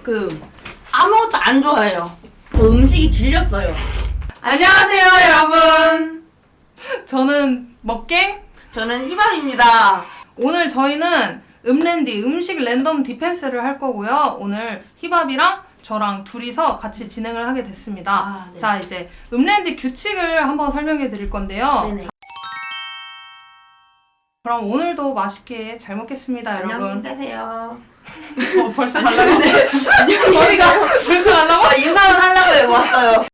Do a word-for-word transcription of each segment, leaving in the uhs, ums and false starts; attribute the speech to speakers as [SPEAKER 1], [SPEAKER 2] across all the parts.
[SPEAKER 1] 그 아무것도 안 좋아해요. 저 음식이 질렸어요. 안녕하세요 여러분.
[SPEAKER 2] 저는 먹갱.
[SPEAKER 1] 저는 희밥입니다.
[SPEAKER 2] 오늘 저희는 음랜디 음식 랜덤 디펜스를 할 거고요. 오늘 희밥이랑 저랑 둘이서 같이 진행을 하게 됐습니다.
[SPEAKER 1] 아, 네.
[SPEAKER 2] 자, 이제 음랜디 규칙을 한번 설명해 드릴 건데요.
[SPEAKER 1] 네네.
[SPEAKER 2] 자, 그럼 오늘도 맛있게 잘 먹겠습니다,
[SPEAKER 1] 안녕히
[SPEAKER 2] 여러분.
[SPEAKER 1] 계세요.
[SPEAKER 2] 어, 벌써 가려고?
[SPEAKER 1] 네. 안녕히
[SPEAKER 2] 머리가 벌써 가려고?
[SPEAKER 1] 아, 인사는 하려고 왔어요.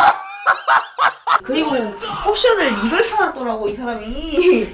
[SPEAKER 1] 그리고 포션을 이걸 사놨더라고 이 사람이.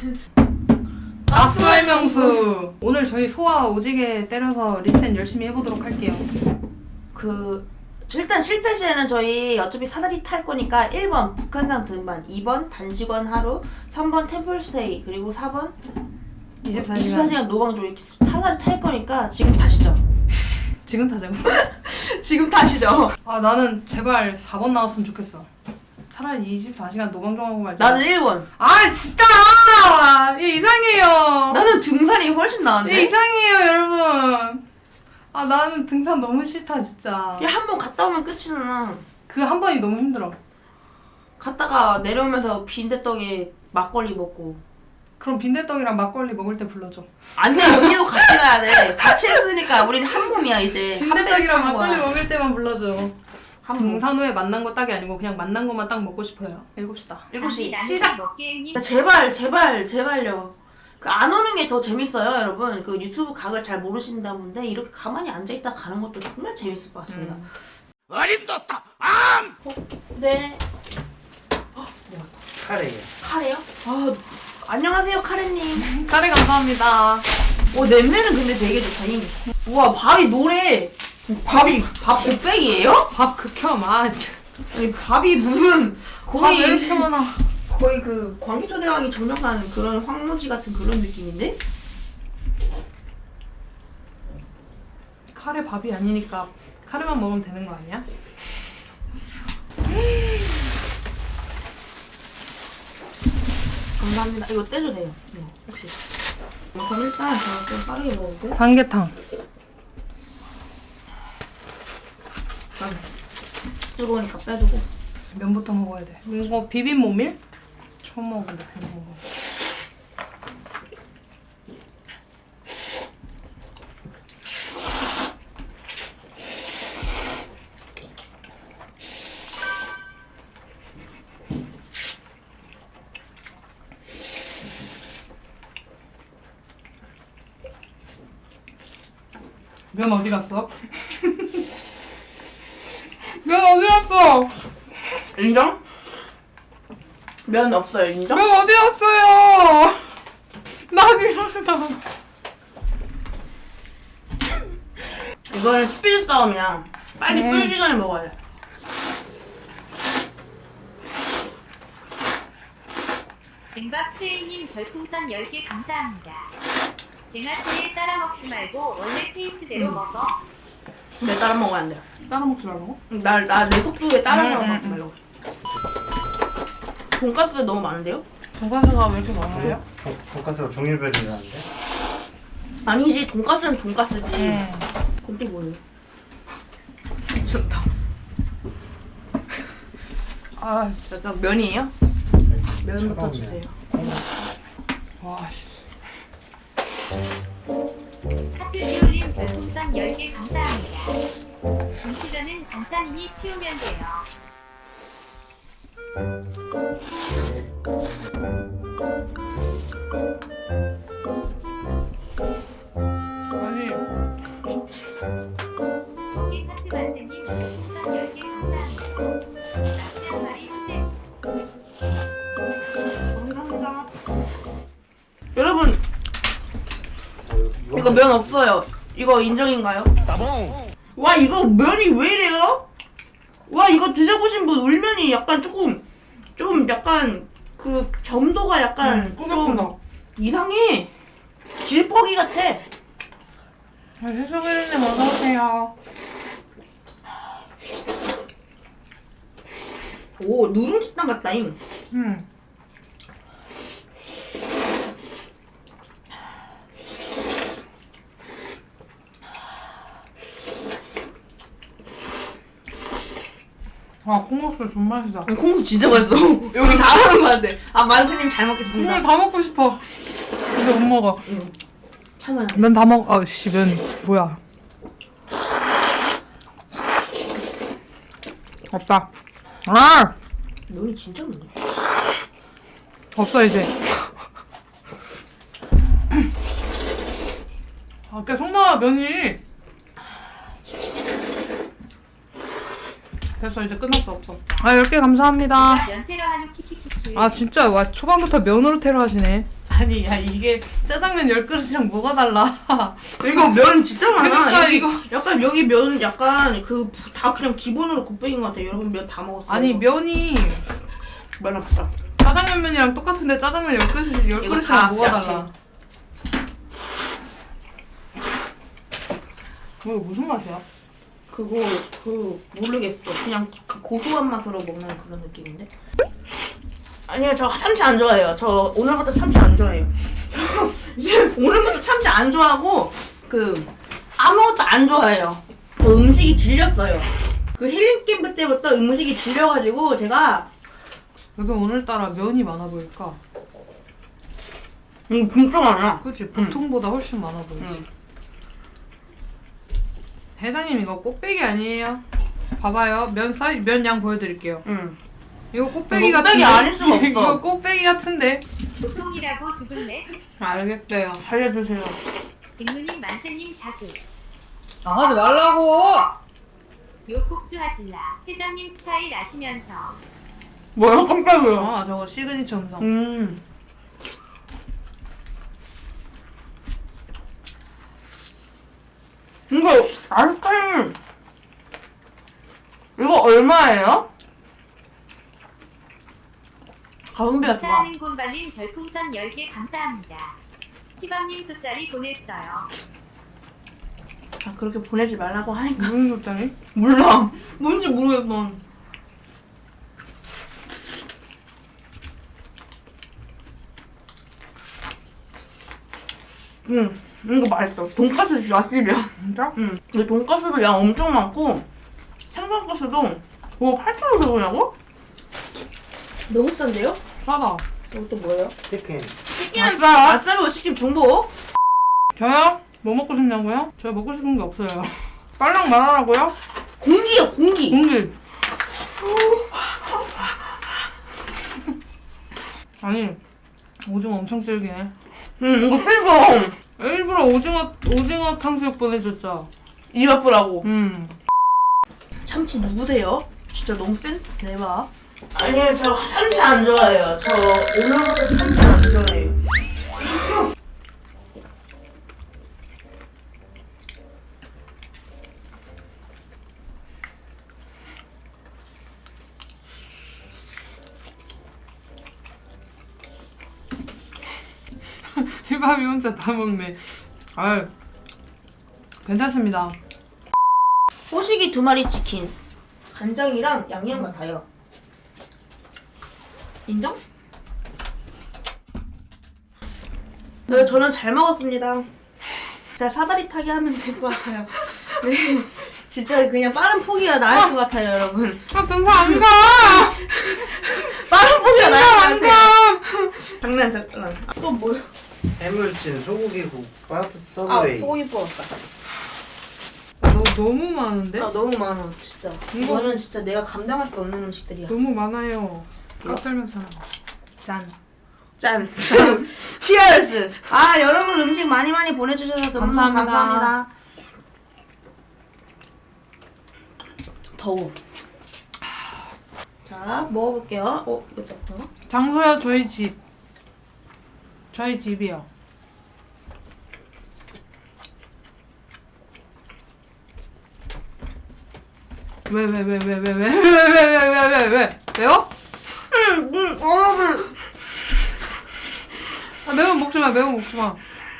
[SPEAKER 2] 악수의 명수. 오늘 저희 소화 오지게 때려서 리셋 열심히 해보도록 할게요.
[SPEAKER 1] 그 일단 실패 시에는 저희 어차피 사다리 탈 거니까 일 번 북한산 등반, 이 번 단식원 하루, 삼 번 템플스테이, 그리고 사 번
[SPEAKER 2] 이십사 시간.
[SPEAKER 1] 이십사 시간 노방조 이렇게 사다리 탈 거니까 지금 타시죠.
[SPEAKER 2] 지금 타자고.
[SPEAKER 1] 지금 타시죠.
[SPEAKER 2] 아, 나는 제발 사 번 나왔으면 좋겠어. 차라리 이십사 시간 노방종하고 말자.
[SPEAKER 1] 나는 일 번.
[SPEAKER 2] 아, 진짜! 얘 이상해요.
[SPEAKER 1] 나는 등산이 훨씬
[SPEAKER 2] 얘
[SPEAKER 1] 나은데.
[SPEAKER 2] 이상해요, 여러분. 아, 나는 등산 너무 싫다, 진짜.
[SPEAKER 1] 한 번 갔다 오면 끝이잖아.
[SPEAKER 2] 그 한 번이 너무 힘들어.
[SPEAKER 1] 갔다가 내려오면서 빈대떡에 막걸리 먹고.
[SPEAKER 2] 그럼 빈대떡이랑 막걸리 먹을 때 불러줘.
[SPEAKER 1] 안 돼, 언니도 같이 가야 돼. 같이 했으니까 우린 한 몸이야 이제.
[SPEAKER 2] 빈대떡이랑
[SPEAKER 1] 한
[SPEAKER 2] 막걸리
[SPEAKER 1] 거야.
[SPEAKER 2] 먹을 때만 불러줘.
[SPEAKER 1] 한 몸.
[SPEAKER 2] 등산 후에 만난 거 딱이 아니고 그냥 만난 것만 딱 먹고 싶어요. 일곱 시다.
[SPEAKER 1] 일곱 시
[SPEAKER 3] 시작.
[SPEAKER 1] 시작.
[SPEAKER 3] 먹기님
[SPEAKER 1] 야, 제발 제발 제발요. 그 안 오는 게 더 재밌어요, 여러분. 그 유튜브 각을 잘 모르신다 본데 이렇게 가만히 앉아 있다 가는 것도 정말 재밌을 것 같습니다.
[SPEAKER 2] 음.
[SPEAKER 4] 어림도다 암!
[SPEAKER 1] 어, 네.
[SPEAKER 4] 카레예요.
[SPEAKER 1] 카레요? 아, 안녕하세요, 카레님.
[SPEAKER 2] 카레 감사합니다.
[SPEAKER 1] 오, 냄새는 근데 되게 좋다. 이. 우와, 밥이 노래. 밥이 밥 곱빼기예요?
[SPEAKER 2] 밥 극혐. 아, 진짜.
[SPEAKER 1] 아니, 밥이 무슨
[SPEAKER 2] 밥 왜
[SPEAKER 1] 거의
[SPEAKER 2] 이렇게 많아.
[SPEAKER 1] 거의 그 광기초대왕이 점령한 그런 황무지 같은 그런 느낌인데?
[SPEAKER 2] 카레 밥이 아니니까 카레만 먹으면 되는 거 아니야?
[SPEAKER 1] 감사합니다. 이거 떼주세요. 네, 혹시. 그럼 일단 제가 좀 빠르게 먹을게요.
[SPEAKER 2] 삼계탕.
[SPEAKER 1] 뜨거우니까 빼주고.
[SPEAKER 2] 면부터 먹어야 돼. 이거 비빔 모밀? 처음 먹어본다. 이거 먹어. 면 어디 갔어? 면 어디 갔어?
[SPEAKER 1] 인정? 면 없어요, 인정?
[SPEAKER 2] 면 어디 갔어요? 나 지금
[SPEAKER 1] 이거는 스피드 싸움이야. 빨리
[SPEAKER 2] 음.
[SPEAKER 1] 불기 전에 먹어야 돼.
[SPEAKER 3] 뱅박스님 별풍선 열 개 감사합니다. 뱅아트에 따라 먹지 말고 원래 페이스대로
[SPEAKER 1] 음.
[SPEAKER 3] 먹어.
[SPEAKER 1] 내 따라 먹으면 안 돼.
[SPEAKER 2] 따라 먹지 말고.
[SPEAKER 1] 나, 나 내 속도에 따라서
[SPEAKER 2] 음, 음,
[SPEAKER 1] 먹지
[SPEAKER 2] 음.
[SPEAKER 1] 말라고. 돈가스 너무 많은데요?
[SPEAKER 2] 돈가스가 왜 이렇게 많아요?
[SPEAKER 4] 돈- 돈가스가 종류별이라는데?
[SPEAKER 1] 아니지, 돈가스는 돈가스지.
[SPEAKER 2] 음.
[SPEAKER 1] 근데 뭐예요? 미쳤다.
[SPEAKER 2] 아,
[SPEAKER 1] 일단 면이에요? 면부터 주세요.
[SPEAKER 2] 와, 씨.
[SPEAKER 3] 하트리올님 별풍선 열 개 감사합니다. 김치전은 반찬이니 치우면 돼요.
[SPEAKER 2] 아니,
[SPEAKER 3] 먹기 하트 만세님 별풍선 열 개 감사합니다. 낙지 한 마리 수제.
[SPEAKER 1] 감사합니다. 여러분, 이거 면 없어요. 이거 인정인가요?
[SPEAKER 4] 따봉!
[SPEAKER 1] 와, 이거 면이 왜 이래요? 와, 이거 드셔보신 분 울면이 약간 조금 좀 약간 그 점도가 약간
[SPEAKER 2] 음, 꾸덕꾸덕.
[SPEAKER 1] 좀 이상해. 질퍽이 같아.
[SPEAKER 2] 해수기르님 어서오세요.
[SPEAKER 1] 오, 누룽지탕 같다잉.
[SPEAKER 2] 음. 아 콩국수 존 맛있다.
[SPEAKER 1] 콩국수 진짜 맛있어. 여기 잘하는 거 같아. 아 만수님 잘 먹겠습니다.
[SPEAKER 2] 국물 다 먹고 싶어. 근데 못 먹어.
[SPEAKER 1] 참아요.
[SPEAKER 2] 면 다 먹. 아씨 면 뭐야? 없다. 아
[SPEAKER 1] 면이 진짜 많네.
[SPEAKER 2] 없어 이제. 아까 속나 면이. 됐어 이제 끝났어 없어. 아 열 개 감사합니다.
[SPEAKER 3] 연태로 한우 키키키키.
[SPEAKER 2] 아 진짜 와 초반부터 면으로 테러 하시네. 아니 야 이게 짜장면 열 그릇이랑 뭐가 달라?
[SPEAKER 1] 이거 면 진짜 많아.
[SPEAKER 2] 그러니까
[SPEAKER 1] 여기,
[SPEAKER 2] 이거.
[SPEAKER 1] 약간 여기 면 약간 그 다 그냥 기본으로 곱빼기인 것 같아. 여러분 면 다 먹었어요.
[SPEAKER 2] 아니 면이
[SPEAKER 1] 면 없어.
[SPEAKER 2] 짜장면면이랑 똑같은데 짜장면 열 그릇 열
[SPEAKER 1] 이거 다
[SPEAKER 2] 그릇이랑 뭐가
[SPEAKER 1] 야채.
[SPEAKER 2] 달라? 이거 무슨 맛이야?
[SPEAKER 1] 그거 그 모르겠어. 그냥 그 고소한 맛으로 먹는 그런 느낌인데. 아니요, 저 참치 안 좋아해요. 저 오늘부터 참치 안 좋아해요. 저 이제 오늘부터 참치 안 좋아하고 그 아무것도 안 좋아해요. 저 음식이 질렸어요. 그 힐링 캠프 때부터 음식이 질려가지고 제가
[SPEAKER 2] 왜 오늘따라 면이 많아 보일까?
[SPEAKER 1] 음 진짜 많아.
[SPEAKER 2] 그치 보통보다 훨씬 많아 보이지.
[SPEAKER 1] 응.
[SPEAKER 2] 대장님 이거 꽃배기 아니에요? 봐봐요 면 사이 면 양 보여드릴게요.
[SPEAKER 1] 응.
[SPEAKER 2] 이거 꽃배기
[SPEAKER 1] 이거
[SPEAKER 2] 같은데?
[SPEAKER 1] 꽃배기 아닐 수가 없어.
[SPEAKER 2] 이거 꽃배기 같은데?
[SPEAKER 3] 보통이라고 죽을래?
[SPEAKER 2] 알겠어요.
[SPEAKER 1] 살려주세요.
[SPEAKER 3] 빅누님 만세님 자극.
[SPEAKER 2] 아 하지 말라고!
[SPEAKER 3] 요국주 하실라. 회장님 스타일 아시면서.
[SPEAKER 1] 뭐야 깜짝이야.
[SPEAKER 2] 아 저거 시그니처 음성.
[SPEAKER 1] 음. 이거 아이스크림 이거 얼마예요? 가성비가 좋아.
[SPEAKER 3] 짜는 곰발린 별풍선 열 개 감사합니다. 희밤님 숫자리 보냈어요.
[SPEAKER 1] 아, 그렇게 보내지 말라고 하니까
[SPEAKER 2] 무슨 소짜리?
[SPEAKER 1] 몰라. 뭔지 모르겠어. 응, 이거 맛있어. 돈가스 진짜 맛집이야.
[SPEAKER 2] 진짜?
[SPEAKER 1] 응. 이 돈가스도 양 엄청 많고 생선가스도 뭐 팔천 원 들어오냐고? 너무 싼데요?
[SPEAKER 2] 싸다.
[SPEAKER 1] 이것도 뭐예요?
[SPEAKER 4] 치킨.
[SPEAKER 1] 치킨
[SPEAKER 2] 아싸!
[SPEAKER 1] 아싸비오 치킨 중복.
[SPEAKER 2] 저요? 뭐 먹고 싶냐고요? 저 먹고 싶은 게 없어요. 빨랑 말하라고요?
[SPEAKER 1] 공기요 공기.
[SPEAKER 2] 공기. 아니 오징어 엄청 질기네.
[SPEAKER 1] 응 이거 뜨거.
[SPEAKER 2] 일부러 오징어 오징어 탕수육 보내줬죠.
[SPEAKER 1] 입 아프라고.
[SPEAKER 2] 음.
[SPEAKER 1] 참치 누구세요? 진짜 너무 센스 대박. 아니요 저 참치 안 좋아해요. 저 오늘부터 참치 안 좋아해요.
[SPEAKER 2] 휘밥이 혼자 다 먹네. 아유 괜찮습니다.
[SPEAKER 1] 호식이 두 마리 치킨. 간장이랑 양념 같아요. 인정? 네, 저는 잘 먹었습니다. 진짜 사다리 타기 하면 될 것 같아요. 네, 진짜 그냥 빠른 포기가 나을 것 같아요, 여러분.
[SPEAKER 2] 아 등산 안 가.
[SPEAKER 1] 빠른 포기가 나을 것
[SPEAKER 2] 안
[SPEAKER 1] 같아요.
[SPEAKER 2] 가.
[SPEAKER 1] 장난 장난. 아, 또 뭐요?
[SPEAKER 4] 해물찜, 소고기국밥,
[SPEAKER 1] 아,
[SPEAKER 4] 서브웨이.
[SPEAKER 1] 소고기 뽑았다.
[SPEAKER 2] 너 너무 많은데?
[SPEAKER 1] 아, 너무 많아, 진짜.
[SPEAKER 2] 이거-
[SPEAKER 1] 이거는 진짜 내가 감당할 수 없는 음식들이야.
[SPEAKER 2] 너무 많아요. 깍살면 사람. 짠.
[SPEAKER 1] 짠. 치얼스. 아, 여러분 음식 많이 많이 보내주셔서 너무
[SPEAKER 2] 감사합니다.
[SPEAKER 1] 감사합니다. 더워. 자, 먹어볼게요. 어, 이거 딱
[SPEAKER 2] 장소야 저희 집. 저희 집이요. 왜 왜 왜 왜 왜 왜 왜 왜 왜 왜 왜 왜 매워?
[SPEAKER 1] 응, 응, 여러분.
[SPEAKER 2] 아, 매운 먹지 마 매운 먹지 마.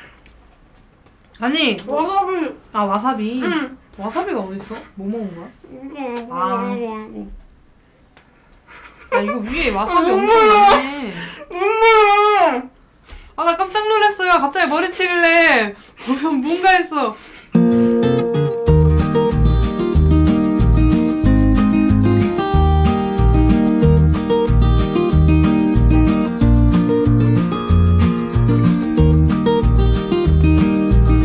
[SPEAKER 2] 아니
[SPEAKER 1] 와사비.
[SPEAKER 2] 아 와사비.
[SPEAKER 1] 응.
[SPEAKER 2] 와사비가 어딨어? 뭐 먹은 거야?
[SPEAKER 1] 아.
[SPEAKER 2] 아 이거 위에 와사비 엄청 많네. 아 나 깜짝 놀랐어요. 갑자기 머리 치길래 무슨 뭔가 했어.